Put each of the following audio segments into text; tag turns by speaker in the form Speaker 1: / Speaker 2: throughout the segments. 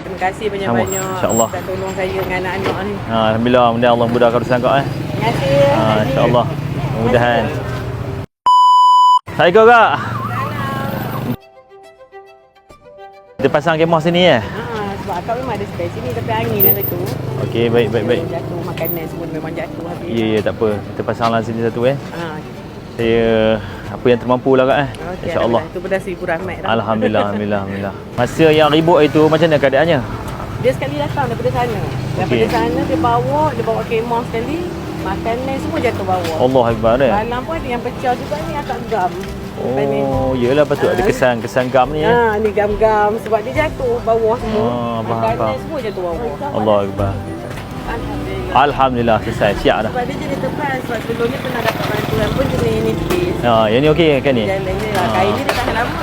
Speaker 1: Terima kasih banyak-banyak.
Speaker 2: InsyaAllah.
Speaker 1: Dah tolong saya dengan anak-anak ni.
Speaker 2: Alhamdulillah, mudah Allah mudahkan urusan kau
Speaker 1: Terima kasih.
Speaker 2: InsyaAllah. Mudah-mudahan. Assalamualaikum kak. Kita pasang kemah sini ya?
Speaker 1: Sebab akak memang ada space sini tapi angin lah tu.
Speaker 2: Okey, baik.
Speaker 1: Jatuh makanan semua memang jatuh habis.
Speaker 2: Ya, tak apa. Kita pasanglah sini satu
Speaker 1: Ha.
Speaker 2: Saya apa yang termampu lah kak
Speaker 1: Okay,
Speaker 2: InsyaAllah.
Speaker 1: Itu pada si rahmat dah.
Speaker 2: Alhamdulillah. Masa yang ribut itu macam mana keadaannya?
Speaker 1: Dia sekali datang daripada sana. Daripada sana dia bawa kemah sekali. Makanan semua jatuh bawah.
Speaker 2: Allah Akbar
Speaker 1: Balang pun ada yang pecah juga ni agak gam.
Speaker 2: Oh, yelah patut ada kesan gam ni ya.
Speaker 1: Ni gam-gam sebab dia jatuh bawah semua. Makanan
Speaker 2: faham.
Speaker 1: semua jatuh bawah.
Speaker 2: Allah Akbar. Alhamdulillah selesai, siap dah.
Speaker 1: Sebab dia jenis tepat. Sebab sebelum ni pernah dapat bantuan pun jenis nipis.
Speaker 2: Yang ni okey kan ni?
Speaker 1: Jalan ni lah. Kain ni dia tahan lama.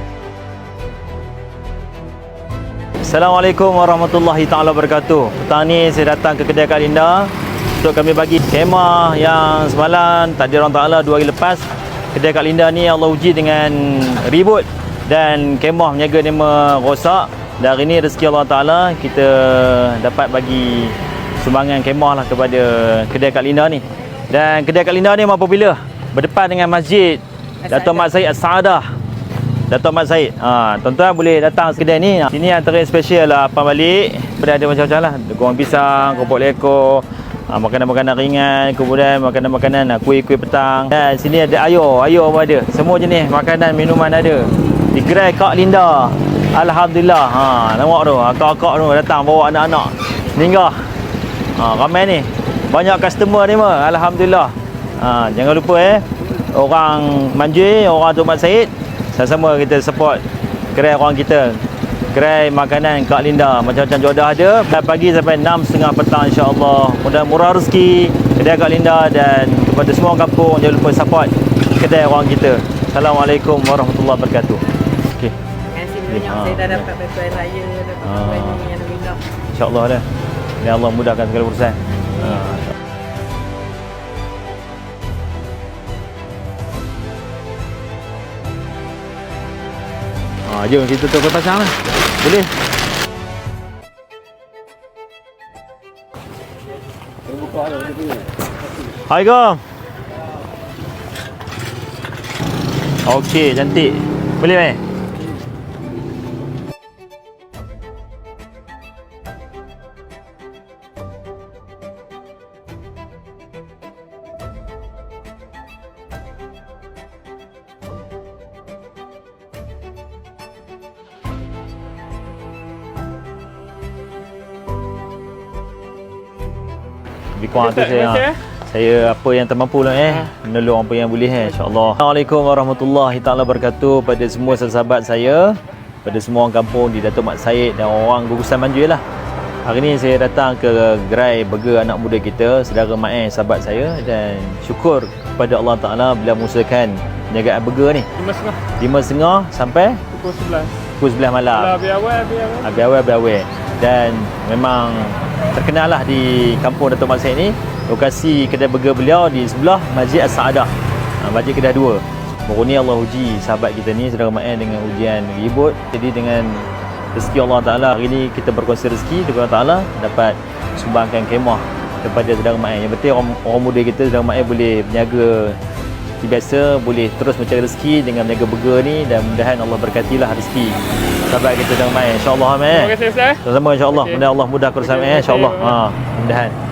Speaker 2: Assalamualaikum warahmatullahi taala wabarakatuh. Petang ni saya datang ke kedai Kak Linda untuk kami bagi kemah yang semalam takdir Allah Taala 2 hari lepas. Kedai Kak Linda ni Allah uji dengan ribut dan kemah meniaga ni merosak. Dan hari ni rezeki Allah Taala kita dapat bagi sumbangan kemah lah kepada kedai Kak Linda ni. Dan kedai Kak Linda ni apabila berdepan dengan masjid Dato' Mat Said As-Saadah. Dato' Mat Said. Tuan-tuan boleh datang kedai ni. Sini antara yang special lah apa balik. Ada macam-macam lah. Goreng pisang, keropok lekor, makanan-makanan ringan, kemudian makanan-makanan kuih-kuih petang. Dan sini ada air pun ada. Semua jenis makanan, minuman ada. Di gerai Kak Linda. Alhamdulillah. Nampak tu, akak-akak tu datang bawa anak-anak. Singgah. Ramai ni. Banyak customer ni mah. Alhamdulillah. Jangan lupa orang Manjui, orang Dato' Mat Said, sama-sama kita support gerai orang kita. Gerai makanan Kak Linda, macam-macam jodoh ada. Dan pagi sampai 6.30 petang insya-Allah. Mudah murah rezeki kedai Kak Linda dan kepada semua orang kampung jangan lupa support kedai orang kita. Assalamualaikum warahmatullahi wabarakatuh. Okey.
Speaker 1: Terima kasih banyak. Saya dah dapat bantuan raya, dapat bantuan ni yang Alhamdulillah.
Speaker 2: Insya-Allah dah. Ya Allah mudahkan segala urusan. Jom kita tukar pasang lah. Boleh. Assalamualaikum. Okey, cantik. Boleh mai? Lebih kurang tu saya apa yang termampu lah menolong apa yang boleh insya-Allah. Assalamualaikum warahmatullahi taala wabarakatuh pada semua sahabat saya, pada semua orang kampung di Dato' Mat Said dan orang gugusan Manjui lah. Hari ni saya datang ke gerai burger anak muda kita, saudara Mai sahabat saya, dan syukur kepada Allah Taala bila mengusahakan perniagaan burger ni 5.30 sampai pukul 11 malam. Habis awal. Dan memang terkenal lah di kampung Dato' Mat Said ni. Lokasi kedai burger beliau di sebelah Masjid As-Saadah, Masjid Kedah 2. Baru ni Allah uji sahabat kita ni, saudara Mat dengan ujian ribut. Jadi dengan rezeki Allah Ta'ala, hari ni kita berkongsi rezeki dengan Allah Ta'ala, dapat sumbangkan kemah kepada saudara Mat. Yang penting orang muda kita, saudara Mat boleh berniaga biasa, boleh terus mencari rezeki dengan berniaga burger ni, dan mudah-mudahan Allah berkatilah rezeki sahabat kita saudara Mat. InsyaAllah Mat.
Speaker 3: Terima kasih Ustaz.
Speaker 2: Sama-sama insyaAllah. Mudah Allah mudah kerusakan insyaAllah. Mudah-mudahan.